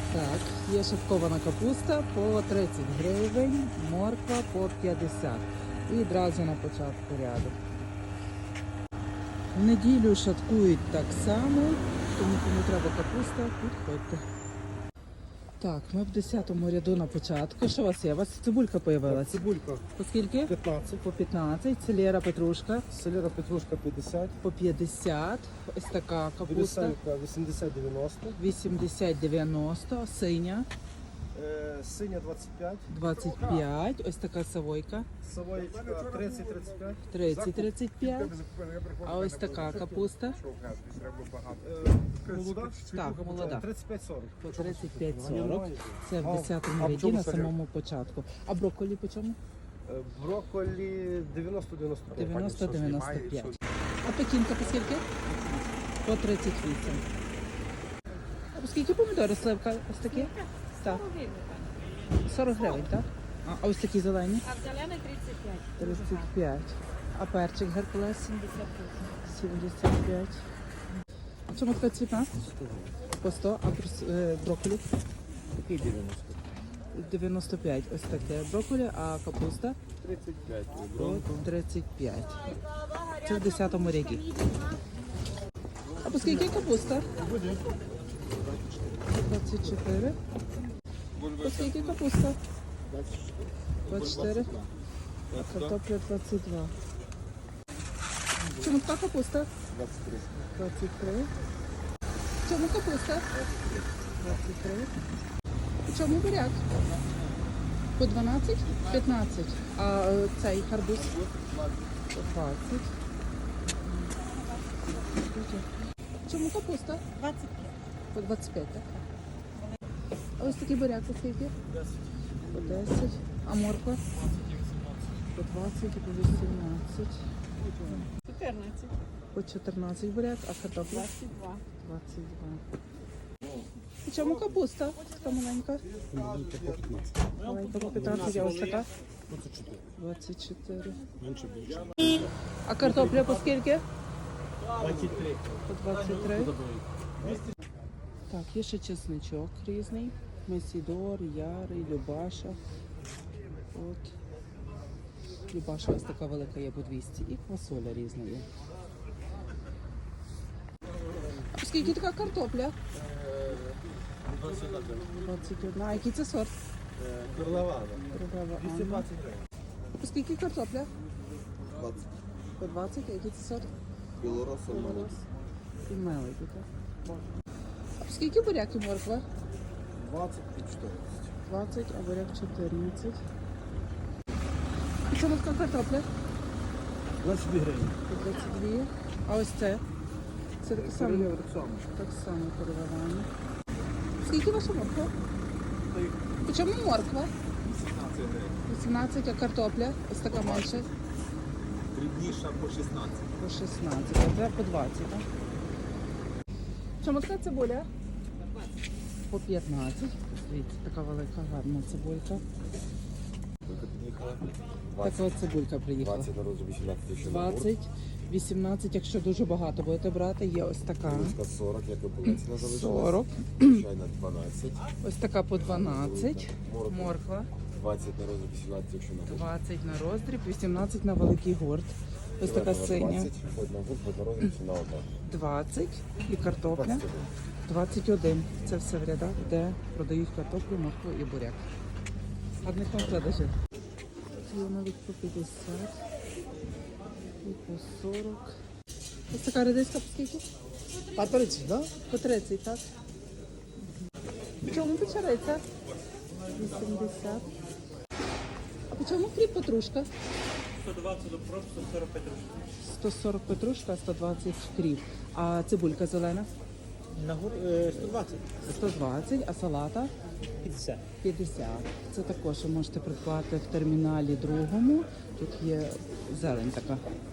Так, є шаткована капуста по 30 гривень, морква по 50. І одразу на початку ряду. В неділю шаткують так само, тому кому треба капуста, підходьте. Так, ми в 10-му ряду на початку. Що у вас є? У вас цибулька появилась? Цибулька По скільки? 15, По 15. Селера петрушка селера петрушка 50, по 50. Ось така капуста. вирісалька 80-90, 80-90. Синя синя 25, 25. Ось така савойка. савоєчка 30-35, 30-35. А ось така капуста. молода? Так, молода. 35-40. По 35-40. Це в 10-му ряді на самому початку. А брокколі по чому? Брокколі 90-95. 90-95. А пекінка по скільки? По 38. А по скільки помідори сливка? Ось такі? Так. 40 гривень, так? А ось такі зелені? А в зелений 35. 35. А перчик Геркулес? 78. 75. А чому така цвітна? По 100. А брокколі? Такий 90. 95. Ось таке брокколі. А капуста? 35. По 35. Це в 10-му ряді. А по скільки капуста? 24. По скільки капуста? 24. А картопля 22. Чому така капуста? 23. 23. Чому капуста? 23. Чому буряк? По 12? 15. А цей гарбуз? По 20. Чому капуста? 25. По 25, так? А ось такий буряк по скільки? 10. По 10. А морква? По 20 і по 18. 14. По 14 буряк, а картопля? 22. 22. І чому капуста? Така маленька. Маленька по 15, а ось така? 24. Менше більше. А картопля по скільки? 23. По 23. Так, є ще чесничок різний. Месідор, ярий, любаша. От. Любаша ось така велика є по 200. І квасоля різна є. А скільки така картопля? 21. А який це сорт? Карлавана. Королева Анна. 220 гривень. А скільки картопля? 20. По 20. А який це сорт? Білоросом молодь. І мелики, так? А скільки буряк і морква? 20 і 14. 20, а буряк 14. І чому така картопля? 22 гривень. По 22. А ось це? Це таке саме? Королева так само. Так само переливання. Скільки ваша морква? По чому морква? 17 гривень. 18, а картопля? Ось така менша. Дрібніша по 16. По 16, а це по 20, так? Чому така цибуля? По 15. Дивіться, така велика, гарна цибулька. Тільки під'їхала. Така от цибулька приїхала. 20 на розу 18 тисяч. 20, 18, якщо дуже багато будете брати, є ось така. Ручка 40, як і полицина залишилась. 40. Звичайна 12. Ось така по 12. Морква. Морква. 20 на розу 18, якщо на гурт. 20 на роздріб, 18 на великий гурт. Ось така синя. 20, хоть на гурт, хоть на розу, ціна одна. 20 і картопля. 21. 21. Це все в рядах, де продають картоплю, моркву і буряк. Одних вам продажів. Є навіть по 50 і по 40. Ось така редиска по скільки? А 30, так? По 30, так? В чому печериця? 80. А по чому кріп петрушка? 120 до просто 140 гривень. 140 петрушка, 120 кріп. А цибулька зелена? На гурт 120. 120, а салата? 50. 50. Це також ви можете придбати в терміналі другому. Тут є зелень така.